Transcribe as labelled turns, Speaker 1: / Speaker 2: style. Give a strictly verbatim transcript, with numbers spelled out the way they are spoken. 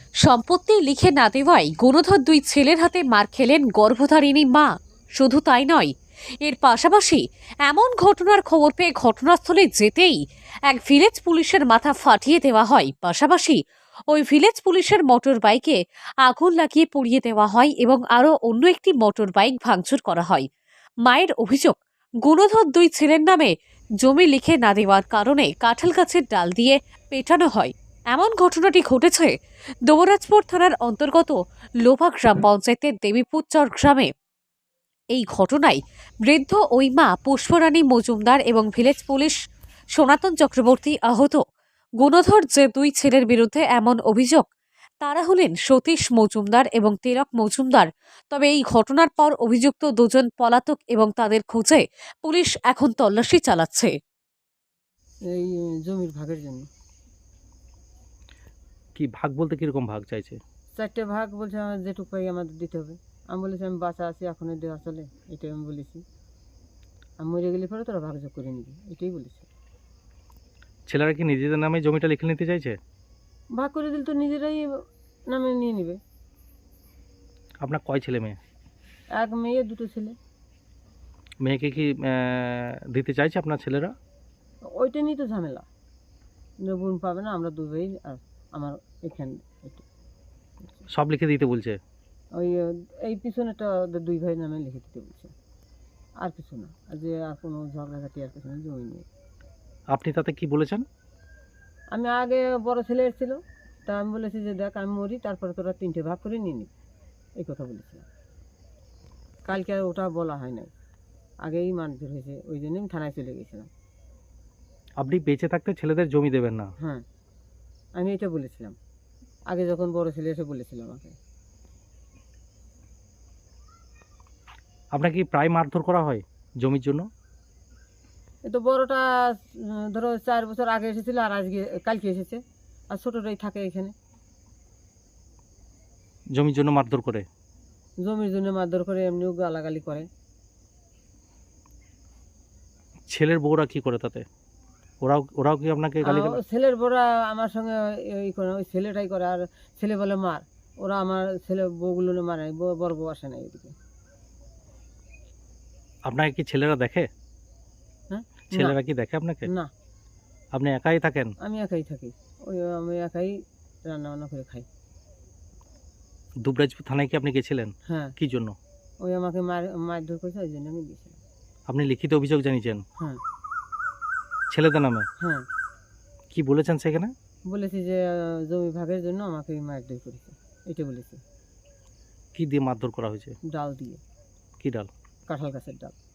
Speaker 1: সম্পত্তি লিখে না দেওয়ায় গুণধর দুই ছেলের হাতে মার খেলেন গর্ভধারিণী মা। শুধু তাই নয়, এর পাশাপাশি এমন ঘটনার খবর পেয়ে ঘটনাস্থলে যেতেই এক ভিলেজ পুলিশের মাথা ফাটিয়ে দেওয়া হয়। পাশাপাশি ওই ভিলেজ পুলিশের মোটর বাইকে আগুন লাগিয়ে পুড়িয়ে দেওয়া হয় এবং আরও অন্য একটি মোটর বাইক ভাঙচুর করা হয়। মায়ের অভিযোগ, গুণধর দুই ছেলের নামে জমি লিখে না দেওয়ার কারণে কাঁঠাল গাছের ডাল দিয়ে পেটানো হয়। এমন ঘটনাটি ঘটেছে দৌরাজপুর থানার অন্তর্গত লোভা গ্রাম পঞ্চায়েতের দেবীপুরচর গ্রামে। এই ঘটনায় বৃদ্ধ ওই মা পুষ্পরানী মজুমদার এবং ভিলেজ পুলিশ সনাতন চক্রবর্তী আহত। গুণধর যে দুই ছেলের বিরুদ্ধে এমন অভিযোগ, তারা হলেন সতীশ মজুমদার এবং তিলক মজুমদার। তবে এই ঘটনার পর অভিযুক্ত দুজন পলাতক এবং তাদের খোঁজে পুলিশ এখন তল্লাশি চালাচ্ছে।
Speaker 2: এই জমির ভাগের জন্য।
Speaker 3: কি ভাগ বলতে কিরকম ভাগ চাইছে?
Speaker 2: চারটে ভাগ বলছে, আমার যেটুকু পাই আমাদের দিতে হবে। আমি বলেছি আমি বাঁচা আছি, এখনই দেওয়া চলে, এটাই আমি বলেছি। আমি মরে গেলে পরে তোরা ভাগযোগ করে নিবি, এটাই বলেছি।
Speaker 3: ছেলেরা কি নিজেদের নামে জমিটা লিখে নিতে চাইছে?
Speaker 2: ভাগ করে দিলে তো নিজেরাই নামে নিয়ে নেবে।
Speaker 3: আপনার কয় ছেলে মেয়ে?
Speaker 2: এক মেয়ে, দুটো ছেলে।
Speaker 3: মেয়েকে কি আহ, দিতে চাইছে আপনার ছেলেরা?
Speaker 2: ওইটা নিয়ে তো ঝামেলা, বোন পাবে না, আমরা দুই ভাই আর আমার এখানে এটা।
Speaker 3: সব লিখে দিতে বলছে?
Speaker 2: ওই এই পিছনেটা ওদের দুই ভাই নামে লিখে দিতে বলছে, আর কিছু না। আর যে আর কোনো ঝগড়াঝাটি আর কিছু না, জমি নিয়ে।
Speaker 3: আপনি তাতে কি বলেছেন?
Speaker 2: আমি আগে বড় ছেলে এসেছিল, তা আমি বলেছি যে দেখ আমি মরি, তারপরে তোরা তিনটে ভাগ করে নিয়ে নিবি, এই কথা বলেছিলাম। কালকে আর ওটা বলা হয় নাই, আগেই মারধর হয়েছে, ওই জন্য আমি থানায় চলে গেছিলাম।
Speaker 3: আপনি বেঁচে থাকতে ছেলেদের জমি দেবেন না?
Speaker 2: হ্যাঁ, আমি এটা বলেছিলাম আগে, যখন বড় ছেলে এসে বলেছিল আমাকে।
Speaker 3: আপনাকে কি প্রায় মারধর করা হয় জমির জন্য?
Speaker 2: এ তো বড়টা উম, ধরো চার বছর আগে এসেছিল, আর আজকে কালকে এসেছে, আর ছোটটাই থাকে এখানে।
Speaker 3: জমির জন্য মারধর করে?
Speaker 2: জমির জন্য মারধর করে, এমনিও গালাগালি করে।
Speaker 3: ছেলের বউরা কি করে তাতে? ওরাও ওরাও কি আপনাকে গালি?
Speaker 2: আহ, ছেলের বড়া আমার সঙ্গে এই করে, ওই ছেলেটাই করে, আর ছেলে বলে মার, ওরা আমার ছেলে বউগুলো মারে, বউ- বড় বউ আসে না এদিকে।
Speaker 3: আপনাকে কি ছেলেরা দেখে?
Speaker 2: হ্যাঁ,
Speaker 3: ছেলেরা কি দেখে আপনাকে?
Speaker 2: না,
Speaker 3: আপনি একাই থাকেন?
Speaker 2: আমি একাই থাকি, ওই আমি একাই রান্না বান্না করে খাই।
Speaker 3: দুবরাজপুর থানায় কি আপনি গেছিলেন?
Speaker 2: হ্যাঁ,
Speaker 3: কি জন্য?
Speaker 2: ওই আমাকে মার মারধর করেছে, ওই জন্য আমি গেছিলাম।
Speaker 3: আপনি লিখিত অভিযোগ জানিয়েছেন
Speaker 2: হ্যাঁ
Speaker 3: ছেলেদের নামে?
Speaker 2: হ্যাঁ,
Speaker 3: কি বলেছেন সেখানে?
Speaker 2: বলেছি যে আহ, জমি ভাগের জন্য আমাকে মারধর করেছে, এটা বলেছি।
Speaker 3: কি দিয়ে মারধর করা হয়েছে?
Speaker 2: ডাল দিয়ে,
Speaker 3: কি ডাল?
Speaker 2: কাঁঠাল গাছের ডাল।